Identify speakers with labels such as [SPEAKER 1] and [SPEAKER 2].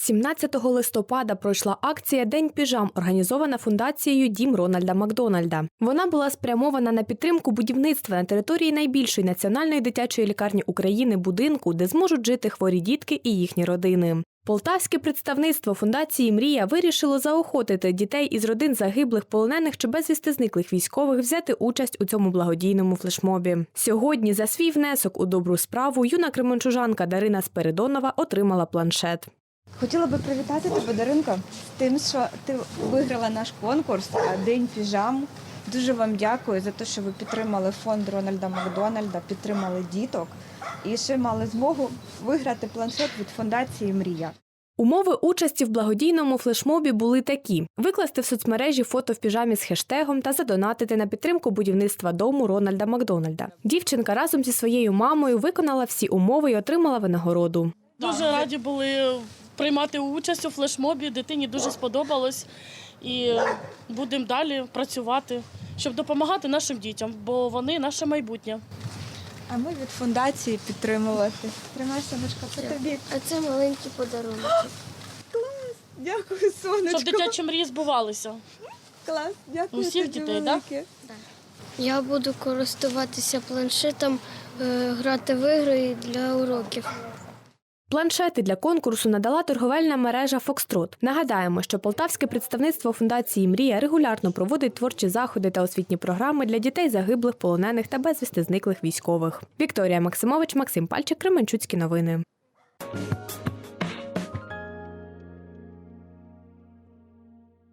[SPEAKER 1] 17 листопада пройшла акція «День піжам», організована фундацією «Дім Рональда Макдональда». Вона була спрямована на підтримку будівництва на території найбільшої національної дитячої лікарні України будинку, де зможуть жити хворі дітки і їхні родини. Полтавське представництво фундації «Мрія» вирішило заохотити дітей із родин загиблих, полонених чи безвісти зниклих військових взяти участь у цьому благодійному флешмобі. Сьогодні за свій внесок у добру справу юна кременчужанка Дарина Спиридонова отримала планшет.
[SPEAKER 2] Хотіла би привітати тебе, Даринко, з тим, що ти виграла наш конкурс «День піжам». Дуже вам дякую за те, що ви підтримали фонд Рональда Макдональда, підтримали діток і ще мали змогу виграти планшет від фундації «Мрія».
[SPEAKER 1] Умови участі в благодійному флешмобі були такі – викласти в соцмережі фото в піжамі з хештегом та задонатити на підтримку будівництва дому Рональда Макдональда. Дівчинка разом зі своєю мамою виконала всі умови і отримала винагороду.
[SPEAKER 3] Дуже раді були приймати участь у флешмобі, дитині дуже сподобалось. І будемо далі працювати, щоб допомагати нашим дітям, бо вони наше майбутнє.
[SPEAKER 2] А ми від фундації підтримувати. Тримай, сонечко, це тобі.
[SPEAKER 4] А це маленький подарунок.
[SPEAKER 2] Клас, дякую, сонечко.
[SPEAKER 3] Щоб дитячі мрії збувалися.
[SPEAKER 2] Клас, дякую
[SPEAKER 3] Усіх
[SPEAKER 2] тобі
[SPEAKER 3] дітей,
[SPEAKER 2] велике.
[SPEAKER 4] Я буду користуватися планшетом, грати в ігри для уроків.
[SPEAKER 1] Планшети для конкурсу надала торговельна мережа «Фокстрот». Нагадаємо, що полтавське представництво фундації «Мрія» регулярно проводить творчі заходи та освітні програми для дітей загиблих, полонених та безвісти зниклих військових. Вікторія Максимович, Максим Пальчик, Кременчуцькі новини.